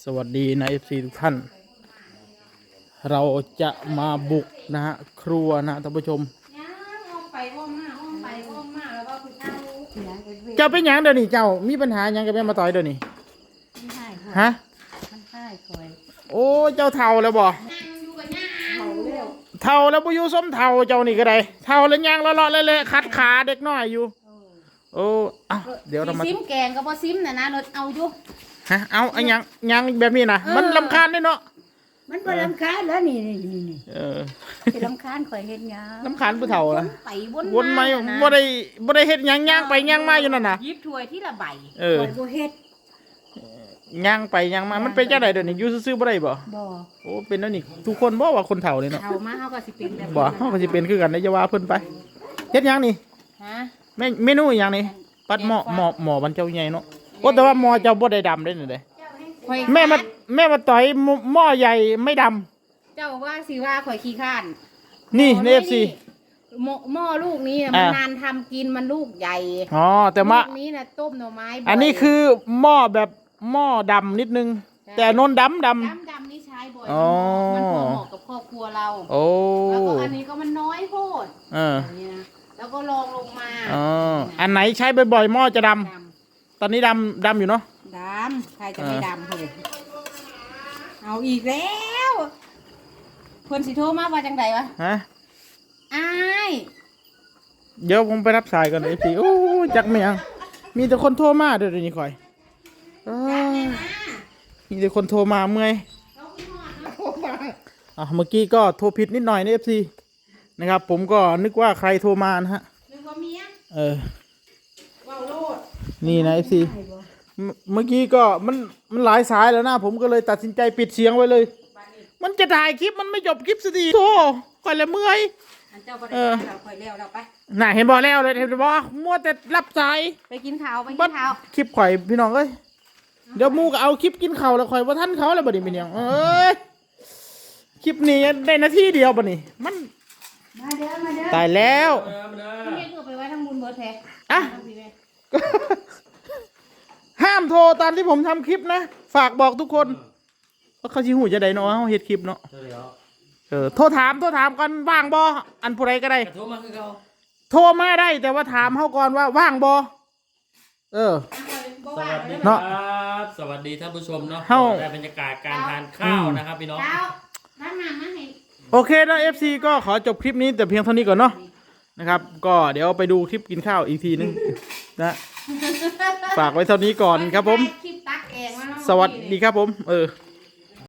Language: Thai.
วัสดีนะ FC ทุกท่านเราจะมาบุกนะฮะครัวนะท่านผู้ชมเจ้าเป็นหยังเดี๋ยวนี้เจ้ามีปัญหาหยังกับแม่มาต่อยเดี๋ยวนี้ฮะโอ้เจ้าเท่าแล้วบ่เท่าแล้วบ่อยู่ส้มเท่าเจ้านี่ก็ได้เท่าแล้วยังเลาะๆเละๆคัดขาเด็กน้อยอยู่โอ้เดี๋ยวเรามาซิมแกงก็บ่ซิมนะรถเอาอยู่ฮะเอายังแบบนี้นะมันรำคาญด้วยเนาะมันบ่รำคาญแล้วนี่สิรำคาญข่อยเฮ็ดหยังรำคาญผู้เฒ่าล่ะไปวนมาบ่ได้เฮ็ดหยังย่างไปย่างมาอยู่นั่นน่ะยิบถ้วยที่ละใบข่อยบ่เฮ็ดย่างไปย่างมามันเป็นจังได๋เดี๋ยวนี้อยู่ซื่อๆบ่ได้บ่โอ้เป็นแล้วนี่ทุกคนบ่ว่าคนเฒ่าเลยเนาะเฒ่ามาเฮาก็สิเป็นแบบบ่เฮาก็สิเป็นคือกันได้อย่าว่าเพิ่นไปเฮ็ดหยังนี่ฮะเมนูหยังนี่ปัดหม้อบันเจ้าใหญ่เนาะโอ้แต่ว่าหม้อเจ้าบ่ได้ดำเด้นี่เด้แม่มาต่อยหม้อใหญ่ไม่ดำเจ้าว่าสิว่าข่อยขี้ข้านนี่ใน FC หม้อลูกนี้มันนานทำกินมันลูกใหญ่อ๋อแต่ว่าลูกนี้น่ะต้มหน่อไม้อันนี้คือหม้อแบบหม้อดำนิดนึงแต่นนดำนี่ใช้บ่อยมันพอเหมาะกับครอบครัวเราโอ้แล้วก็อันนี้ก็มันน้อยโพดแล้วก็ลองลงมาอันไหนใช้บ่อยๆหม้อจะดำตอนนี้ดำอยู่เนาะดำใครจะไม่ดำเลยเอาอีกแล้วเพื่อนสิโทรมาว่าจังไดวะฮะอ้ายเดี๋ยวผมไปรับสายก่อนไอ้พี่โอ้จักไม่ยังมีแต่คนโทรมาเดี๋ยวนี้คอยมีแต่คนโทรมาเมื่อยเมื่อกี้ก็โทรผิดนิดหน่อยใน FC นะครับผมก็นึกว่าใครโทรมานะฮะนึกว่าเมียว้าวโลดนี่นะ FC เมื่อกี้ก็มันหลายสายแล้วนะผมก็เลยตัดสินใจปิดเสียงไว้เลยมันจะถ่ายคลิปมันไม่จบคลิปสักทีโธ่ก่อนละเมื่อยเราคอยเลี้ยวเราไปน่ะเห็นบอกแล้วเลยเห็นบอกมัวแต่รับสายไปกินข้าวคลิปข่อยพี่น้องเอ้ยเดี๋ยวมูก็เอาคลิปกินข้าวแล้วข่อยว่าท่านเขาแล้วบ่ดิเป็นยังคลิปนี้ได้นาทีเดียวบ่นี่มันตายแล้วเฮ็ดไปไว้ทั้งบุญเบิดแท้ห้ามโทรตอนที่ผมทำคลิปนะฝากบอกทุกคนเพราะเขาชี้หูจะได้เนาะเขาเฮ็ดคลิปเนาะโทรถามก่อนว่างบ่อันผู้ใดก็ได้โทรมาคือเขาโทรมาได้แต่ว่าถามเขาก่อนว่าว่างบ่เนาะสวัสดีท่านผู้ชมเนาะได้บรรยากาศการทานข้าวนะครับพี่น้องโอเคนะ FC ก็ขอจบคลิปนี้แต่เพียงเท่านี้ก่อนเนาะนะครับก็เดี๋ยวไปดูคลิปกินข้าวอีกทีนึงนะฝากไว้เท่านี้ก่อนครับผมสวัสดีครับผม